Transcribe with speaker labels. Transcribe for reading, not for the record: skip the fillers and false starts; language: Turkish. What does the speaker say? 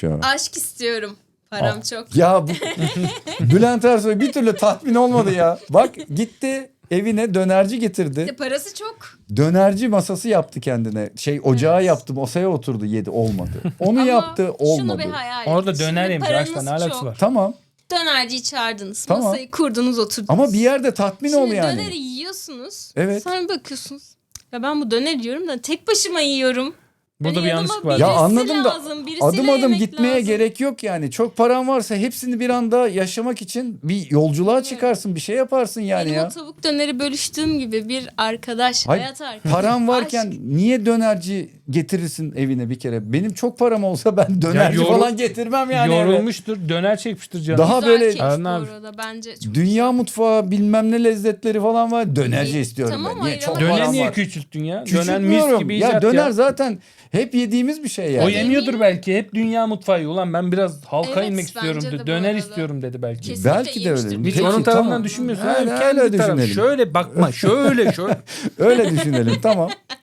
Speaker 1: iyiymiş ya.
Speaker 2: Aşk istiyorum. Param çok.
Speaker 1: Ya bu Bülent Ersoy bir türlü tatmin olmadı ya. Bak gitti evine dönerci getirdi.
Speaker 2: İşte parası çok.
Speaker 1: Dönerci masası yaptı kendine. Ocağı
Speaker 2: Evet.
Speaker 1: yaptı, masaya oturdu, yedi, olmadı. Onu
Speaker 2: Ama
Speaker 1: yaptı, olmadı.
Speaker 2: şunu bir hayal
Speaker 3: Orada
Speaker 2: edin.
Speaker 3: döner
Speaker 2: Şimdi
Speaker 3: yemiş.
Speaker 2: paranız
Speaker 3: Aşkla ne alakası
Speaker 2: çok.
Speaker 3: var?
Speaker 1: Tamam
Speaker 2: Dönerciyi çağırdınız.
Speaker 1: Tamam.
Speaker 2: Masayı kurdunuz, oturdunuz.
Speaker 1: ama bir yerde tatmin
Speaker 2: Şimdi
Speaker 1: ol yani.
Speaker 2: döneri yiyorsunuz.
Speaker 1: Evet.
Speaker 2: Sonra bakıyorsunuz. Ya ben bu döner yiyorum da tek başıma yiyorum.
Speaker 3: Burada
Speaker 2: Hani
Speaker 3: bir
Speaker 2: yanıma
Speaker 3: yanlışlık var.
Speaker 2: birisi
Speaker 1: Ya anladım da
Speaker 2: lazım, birisiyle
Speaker 1: adım adım
Speaker 2: yemek
Speaker 1: gitmeye
Speaker 2: lazım.
Speaker 1: gerek yok yani. Çok paran varsa hepsini bir anda yaşamak için bir yolculuğa çıkarsın, bir şey yaparsın yani
Speaker 2: Benim
Speaker 1: ya.
Speaker 2: o tavuk döneri bölüştüğüm gibi bir arkadaş,
Speaker 1: Hayır,
Speaker 2: hayat arkadaşı.
Speaker 1: paran varken
Speaker 2: Aşk.
Speaker 1: niye dönerci getirirsin evine bir kere? Benim çok param olsa ben dönerci
Speaker 3: yorul-
Speaker 1: falan getirmem yani. eve.
Speaker 3: Yorulmuştur. Döner çekmiştir canım.
Speaker 1: Daha
Speaker 2: Güzel
Speaker 1: böyle
Speaker 2: keyif bu
Speaker 3: Arnav-
Speaker 2: arada bence. Çok
Speaker 1: dünya mutfağı bilmem ne lezzetleri falan var. Dönerci
Speaker 2: İyi,
Speaker 1: istiyorum
Speaker 2: tamam,
Speaker 1: ben. Niye?
Speaker 2: hayır
Speaker 1: Çok
Speaker 2: ama-
Speaker 3: Döner
Speaker 1: param
Speaker 3: niye
Speaker 1: var.
Speaker 3: küçülttün ya? Döner mis
Speaker 1: Küçültmüyorum.
Speaker 3: gibi
Speaker 1: Ya
Speaker 3: icat
Speaker 1: döner
Speaker 3: ya.
Speaker 1: zaten hep yediğimiz bir şey
Speaker 3: O
Speaker 1: yani.
Speaker 3: yemiyordur belki. Hep dünya mutfağı. Ulan ben biraz halka
Speaker 2: Evet,
Speaker 3: inmek istiyorum
Speaker 2: bence de
Speaker 3: dedi.
Speaker 2: bu
Speaker 3: Döner
Speaker 2: arada.
Speaker 3: istiyorum dedi belki.
Speaker 2: Kesin.
Speaker 1: Belki de öyle.
Speaker 2: yemiştir.
Speaker 3: Hiç
Speaker 1: Peki,
Speaker 3: onun tarafından
Speaker 1: tamam.
Speaker 3: düşünmüyorsun.
Speaker 1: Öyle,
Speaker 3: Kendi
Speaker 1: öyle
Speaker 3: tarafı.
Speaker 1: düşünelim.
Speaker 3: Şöyle bakma. Şöyle.
Speaker 1: Öyle düşünelim tamam.